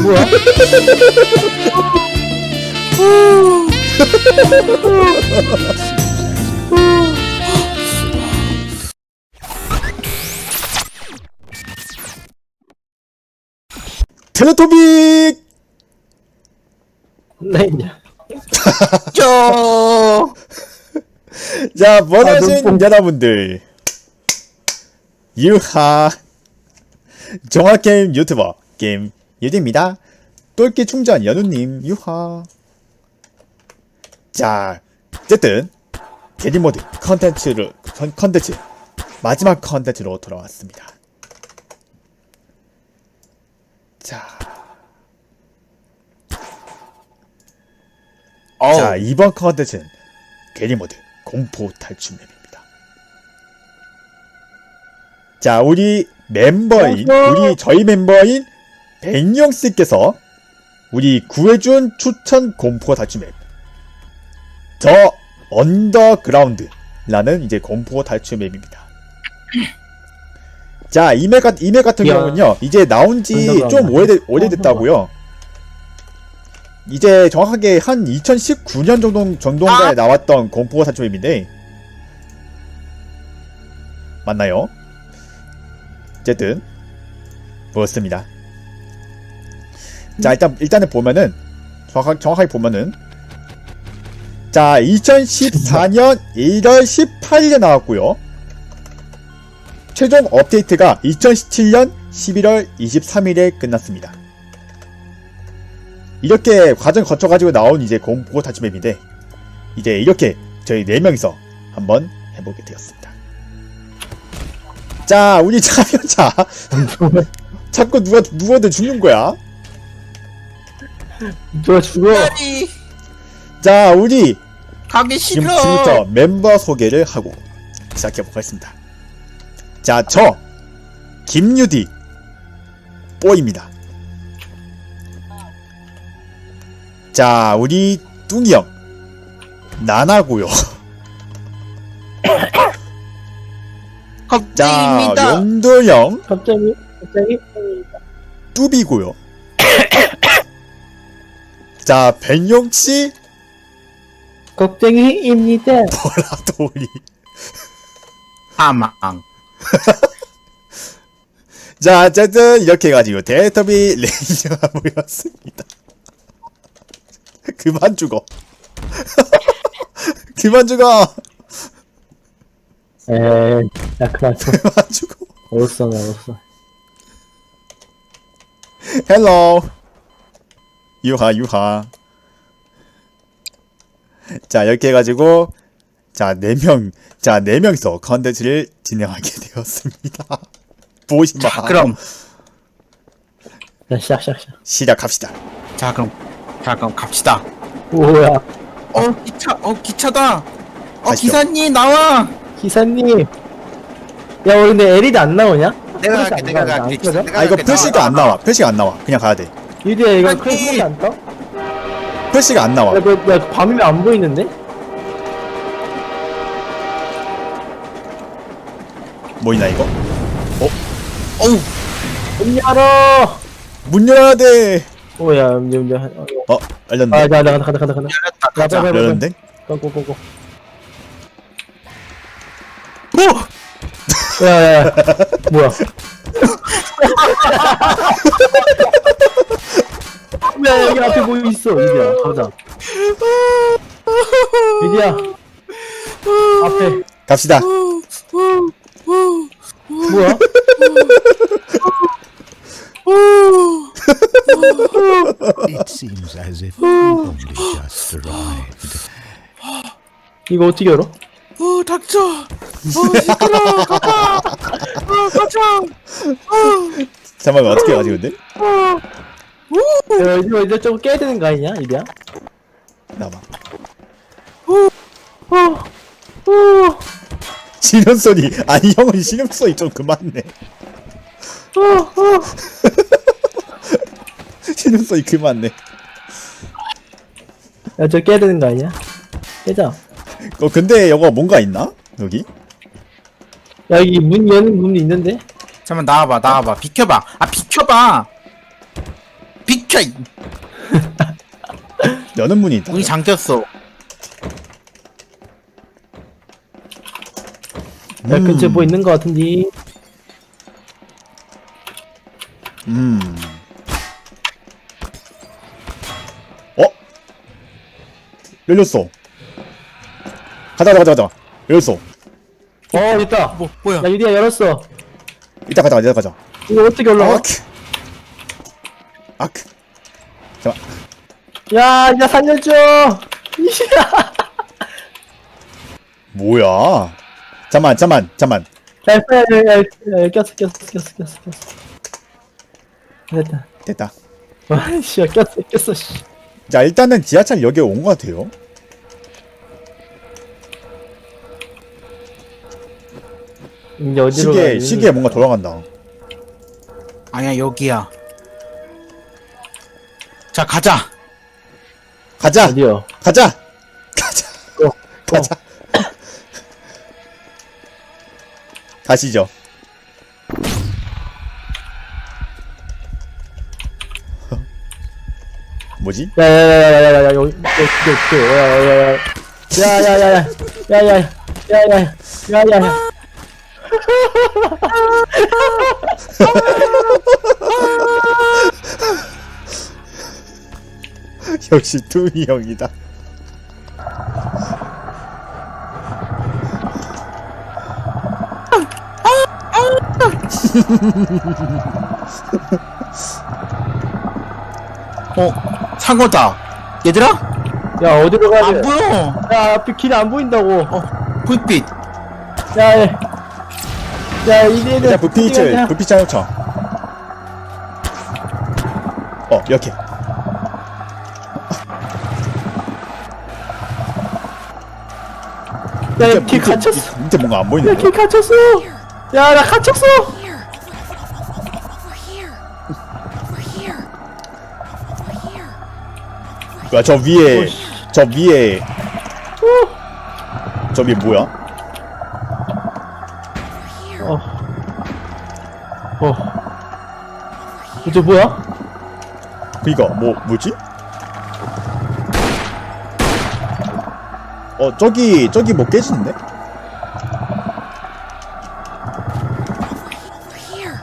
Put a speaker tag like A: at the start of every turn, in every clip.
A: 뭐야?
B: 텔레토빅!
A: 네, 이제.
B: 자, 원하신
A: 눈뽕.
B: 여러분들 유하 정화게임 유튜버 게임 유디입니다. 똘끼 충전 연우님 유하. 자, 어쨌든 게리모드 컨텐츠 마지막 컨텐츠로 돌아왔습니다. 자, 이번 컨텐츠는 게리모드 공포 탈출 맵입니다. 자, 저희 멤버인 백영씨께서 우리 구해준 추천 공포 탈출 맵, 더 언더그라운드라는 이제 공포 탈출 맵입니다. 자, 이 맵 같은 경우는요, 이제 나온지 좀 오래됐다고요. 이제 정확하게 한 2019년 정도인가에 나왔던 공포 탈출 맵인데, 맞나요? 어쨌든 그렇습니다. 자, 일단은 보면은 정확하게 보면은, 자, 2014년 1월 18일에 나왔고요. 최종 업데이트가 2017년 11월 23일에 끝났습니다. 이렇게 과정 거쳐가지고 나온 이제 공포 탈출 맵인데, 이제 이렇게 저희 4명이서 한번 해보게 되었습니다. 자, 우리 참여자 자꾸 누구한테 죽는 거야?
A: 누가 죽어?
B: 자, 우리
C: 가기 싫어.
B: 지금부터 멤버 소개를 하고 시작해보겠습니다. 자, 저 김유디 뽀입니다. 자, 우리 뚱이 형 나나고요. 자,
C: 겁쟁입니다.
B: 용도 형
A: 갑자기?
B: 뚜비고요. 자, 백용씨
A: 겁쟁이입니다.
B: 보라돌이.
C: 사망.
B: 자, 어쨌든 이렇게 해가지고 텔레토비 레이저가 모였습니다. 그만 죽어. 그만 죽어.
A: 에이, 야, 그만 좀.
B: 그만 죽어.
A: 어딨어, 나 어딨어.
B: 헬로. 유하. 자, 이렇게 해가지고, 자, 4명이서 컨텐츠를 진행하게 되었습니다. 보시마.
C: 자, 그럼
A: 야, 시작.
B: 시작합시다.
C: 자, 그럼 갑시다.
A: 뭐야,
C: 기차다.
B: 가시죠.
C: 기사님 나와.
A: 기사님. 야, 우리 근데 LED 안 나오냐?
C: 내가
A: 플래시
C: 갈게.
A: 안
C: 내가
A: 나와,
C: 갈게.
A: 안 켜져?
B: 아, 이거 표시가 안 나와. 표시가 안 나와. 그냥 가야 돼.
A: 유디야, 이거
C: 아니.
A: 크레시 안 떠?
B: 표시가 안 나와.
A: 야, 밤이면 안 보이는데?
B: 뭐이나 이거?
C: 어우,
A: 문 열어!
B: 문 열어야 돼.
A: 오야,
B: 열렸네.
A: 아, 나 간다.
C: 열렸다. 가자.
A: 빨리.
B: 열렸는데?
A: 고고고고.
C: 오!
A: 야, 뭐야? 야, 여기 앞에 뭐 있어, 유디야. 가자. 유디야. 앞에.
B: 갑시다.
A: 뭐야?
D: It seems as if you only just arrived.
A: 이거 어떻게 열어?
C: 닥쳐. 시끄러워. 가자.
B: 잠깐만, 어떻게 가지, 근데?
A: 야, 이거 좀 깨야 되는 거 아니냐, 유디야?
B: 나봐. 신음소리. 아니, 형은 신음소리 좀 그만해. 신음소리 그만해.
A: 야, 저 깨야 되는 거 아니야? 깨자.
B: 근데 이거 뭔가 있나? 여기?
A: 야, 여기 문 여는 문이 있는데?
C: 잠깐만 나와봐. 비켜봐. 비켜봐. 비켜.
B: 여는 문이 있다.
C: 문이 잠겼어.
A: 야, 근처에 뭐 있는 거 같은데.
B: 어? 열렸어. 가자. 열렸어.
A: 있다.
C: 뭐야?
A: 야, 유리야, 열었어.
B: 이따 가자.
A: 이거 어떻게 올라가?
B: 아크. 잠깐.
A: 야, 살려줘.
B: 뭐야? 잠만.
A: 야, 꼈어. 됐다.
B: 됐다.
A: 와, 씨, 꼈어, 씨.
B: 자, 일단은 지하철역에 온 것 같아요.
A: 이제 어디로 가야 되니?
B: 시계에 뭔가 돌아간다.
C: 아니야, 여기야. 자, 가자.
B: 가자.
A: 어디요?
B: 가자.
A: 어.
B: 가자. 가시죠. 뭐지?
A: 야야야야야야 여기 야야야야야야야야야야야야야야야야
B: 역시 투미 형이다.
C: 사고다. 얘들아?
A: 야 어디로 가야
C: 안
A: 돼?
C: 보여.
A: 야 앞에 길이 안 보인다고.
C: 불빛.
A: 야 이제는
B: 일단 부피를 놓쳐. 이렇게.
A: 야길 갇혔어.
B: 밑에 뭔가 안 보이는데?
A: 야길 갇혔어. 야 나 갇혔어.
E: Here. Over here. Over here. Over here.
B: 뭐야, 저 위에 뭐야?
A: 이제 뭐야?
B: 그니까 뭐지? 저기 뭐 깨지는데?
E: Over here.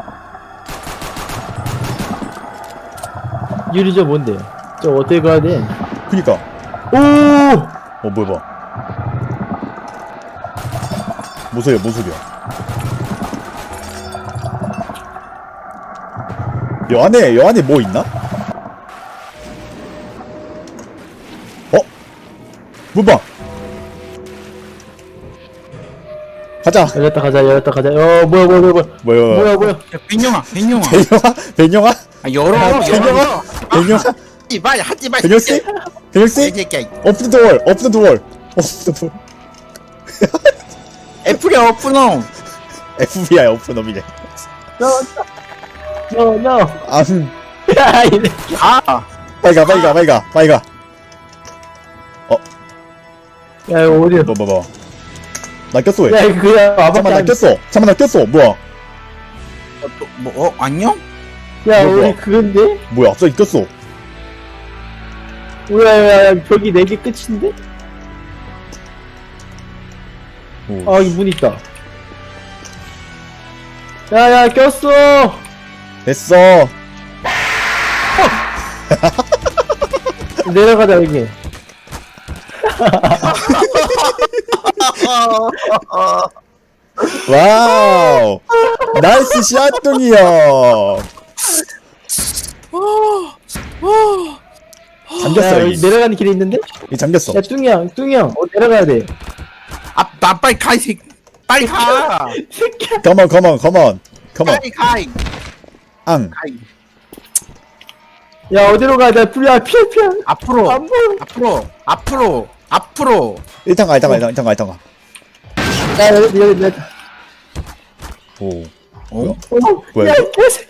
A: 유리 저 뭔데? 저 어떻게 가야 돼?
B: 그니까.
A: 오!
B: 뭐야 봐. 뭔 소리야? 여 안에 뭐 있나? 문방! 가자!
A: 열렸다 가자. 뭐야?
B: 뭐야?
C: 야, 빈영아.
B: 벤영아?
C: 아, 열어.
B: 벤영아?
C: 하지 마.
B: 벤영씨?
C: 새끼야.
B: 오픈 더 월!
C: 애플이야, 오픈홈.
B: FBI 오픈업이네.
A: No. 야 이래.
C: 가.
B: 빨리 가.
A: 야 이거 어디야?
B: 뭐. 나 꼈어, 왜?
A: 야 이거 그냥
B: 잠깐만, 나 꼈어. 뭐야?
C: 안녕?
A: 야
B: 뭐야?
A: 우리 그건데?
B: 뭐야, 갑자기 꼈어.
A: 야 벽이 4개 끝인데?
B: 오.
A: 아 여기 문 있다. 야 꼈어.
B: 됐어.
A: 내려가자 여기.
B: 와우. 나이스 샷둥이 형. 잠겼어,
A: 야,
B: 여기.
A: 여기 내려가는 길이 있는데?
B: 이 잠겼어.
A: 야 뚱이 형 내려가야 돼.
C: 나 빨리 가, 이 새끼. 빨리 가.
A: 새끼야.
B: 컴온.
C: 빨리 가.
B: 앙.
A: 야 어디로 가야 돼? 피해.
C: 앞으로.
A: 안 보여.
C: 앞으로.
B: 일단 가.
A: 야 여기.
B: 오.
C: 어?
B: 뭐야,
A: 야
B: 이거?
A: 개새.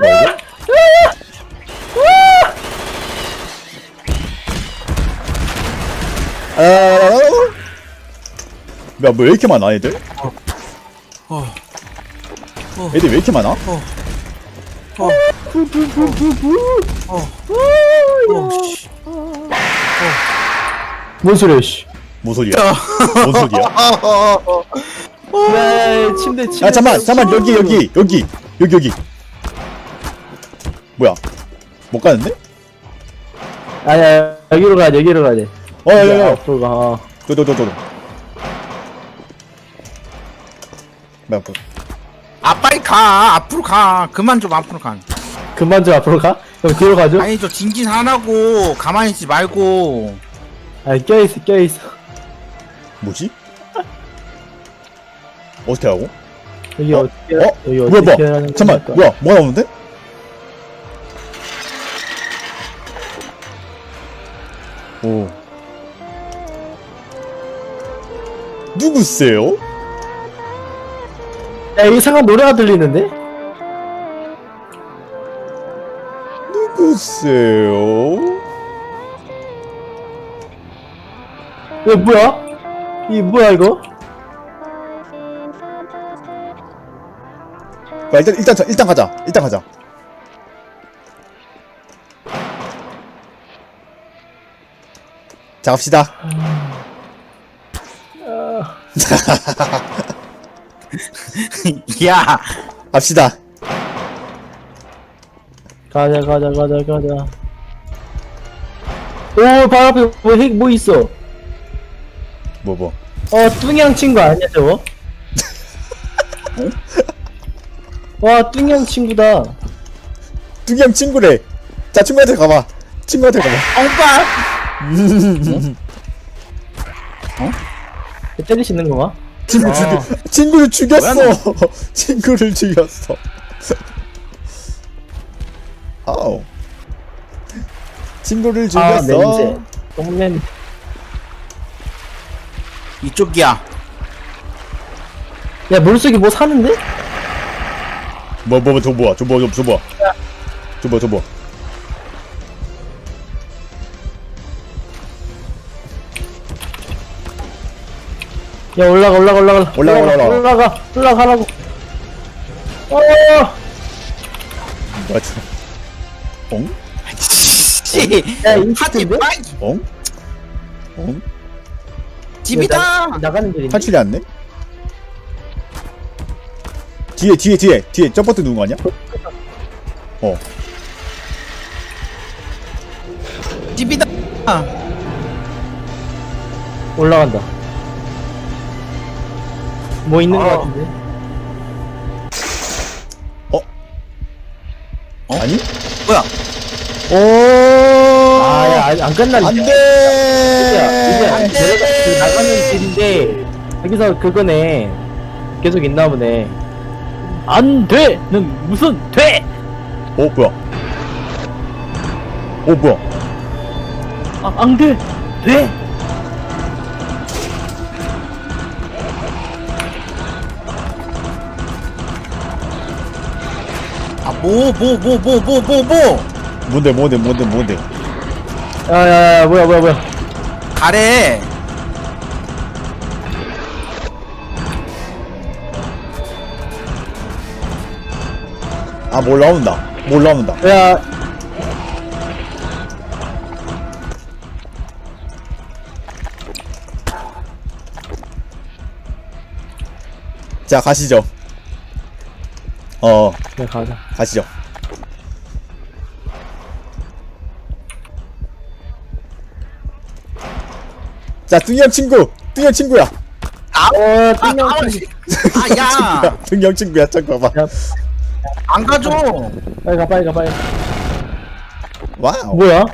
B: 뭐 왜 이렇게 많아, 애들? 애들 왜 이렇게 많아?
C: 씨.
A: 뭔 소리야, 씨.
B: 뭔 소리야? 뭔 소리야?
A: 야, 침대.
B: 아 잠만 여기. 뭐야? 못 가는데?
A: 아야, 여기로 가야 돼, 여기로 가야 돼.
B: 야야야.
A: 앞으로 가.
B: 저도. 뭐야?
C: 아 빨리 가. 앞으로 가. 그만 좀 앞으로 가.
A: 그만 좀 앞으로 가? 그럼 뒤로 가죠?
C: 아니 저 진진하라고. 가만히 있지 말고.
A: 아니, 껴있어.
B: 뭐지? 어떻게 하고?
A: 여기 어떻게, 여기
B: 뭐야
A: 어떻게
B: 뭐야?
A: 하는
B: 잠만
A: 겁니까?
B: 뭐야? 뭐가 나오는데? 오. 누구세요?
A: 야, 이상한 노래가 들리는데?
B: 누구세요?
A: 이거 뭐야? 이 뭐야, 이거?
B: 야, 일단 가자. 자, 갑시다.
C: 야.
B: 갑시다.
A: 가자. 오, 바로 앞에 뭐 있어?
B: 뭐.
A: 뚱양 친구 아니야, 저거? 와, 뚱양 친구다.
B: 뚱양 친구래. 자, 친구한테 가봐.
C: 오빠.
A: 때릴 수 있는 건가?
B: 친구를 죽였어. 친구를 죽였어. 아우. 친구를
A: 아,
B: 죽였어.
A: 냄새. 똥냄.
C: 이쪽이야.
A: 야, 물속에 뭐 사는데?
B: 줘봐.
A: 야, 올라가.
B: 올라가.
A: 올라가라고.
B: 맞아. 엉?
C: 씨.
A: 야,
C: 하지
A: 인치인데?
C: 마.
B: 엉?
C: 집이다.
A: 나가는 길인데?
B: 탈출이 안 돼? 뒤에 점퍼트 누른 거 아니야?
C: 집이다.
A: 올라간다. 뭐 있는 거 같은데?
B: 아니?
C: 뭐야?
B: 오!
A: 아, 야, 아직 안 끝났네.
B: 안 돼!
A: 이제 내려가, 그 나가는 길인데, 여기서 그거네. 계속 있나 보네. 안 돼! 는 무슨 돼!
B: 뭐야?
A: 아, 안 돼! 돼!
C: 아, 뭐.
B: 뭔데?
A: 야, 뭐야.
C: 가래.
B: 아, 뭘 나온다.
A: 야,
B: 자, 가시죠.
A: 그래, 가자.
B: 가시죠. 자, 뚱형 친구야.
A: 띵영
C: 아, 야.
B: 뚱형 친구야. 잠깐만.
C: 안 가져.
A: 빨리 가.
B: 와우.
A: 뭐야?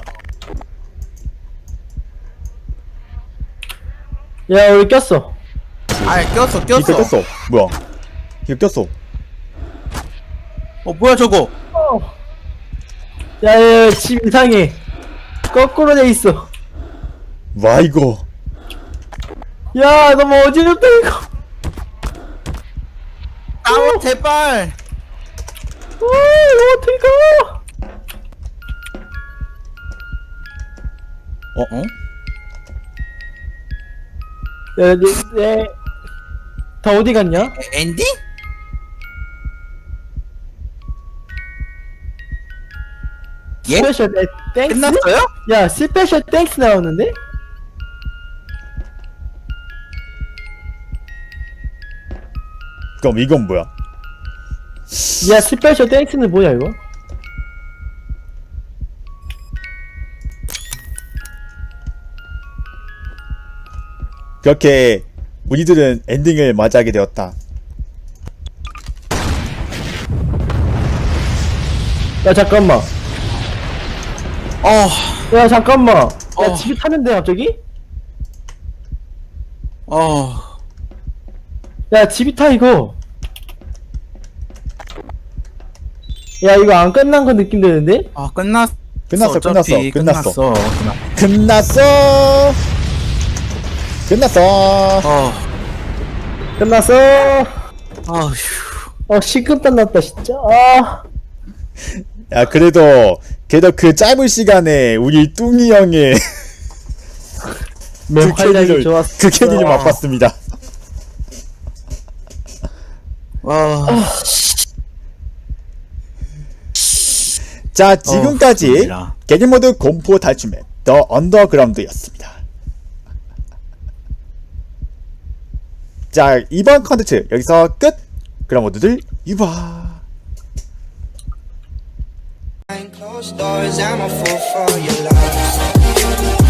A: 야, 우리 꼈어.
C: 아, 꼈어.
B: 이거 꼈어. 뭐야? 이거 꼈어.
C: 뭐야 저거?
A: 야, 집 이상해. 거꾸로 돼 있어.
B: 와, 이거.
A: 야, 너무 어지럽다, 이거.
C: 아우 제발.
A: 이거 어떻게 가?
C: 어?
A: 야, 다 어디 갔냐?
C: 엔디?
A: 스페셜 땡스?
C: 끝났어요?
A: 야 스페셜 땡스 나오는데?
B: 그럼 이건 뭐야?
A: 야 스페셜 땡스는 뭐야 이거?
B: 그렇게 우리들은 엔딩을 맞이하게 되었다.
A: 야 잠깐만. 야 잠깐만. 야 집이 타면 돼 갑자기? 야 집이 타 이거. 야 이거 안 끝난 거 느낌 되는데?
C: 끝났어.
B: 끝났어,
C: 어차피
B: 끝났어.
C: 끝났어.
B: 끝났어.
A: 끝났어.
C: 아휴.
A: 식은땀 났다 진짜.
B: 야, 그래도 그 짧은 시간에 우리 뚱이 형의
A: 활약이 좋았어.
B: 그 캐리를 맛봤습니다. 자, 지금까지
C: 좋습니다.
B: 게임모드 공포 탈출맵 더 언더그라운드였습니다. 자, 이번 컨텐츠 여기서 끝! 그럼 모두들 유바!
F: Behind closed doors, I'm a fool for your love.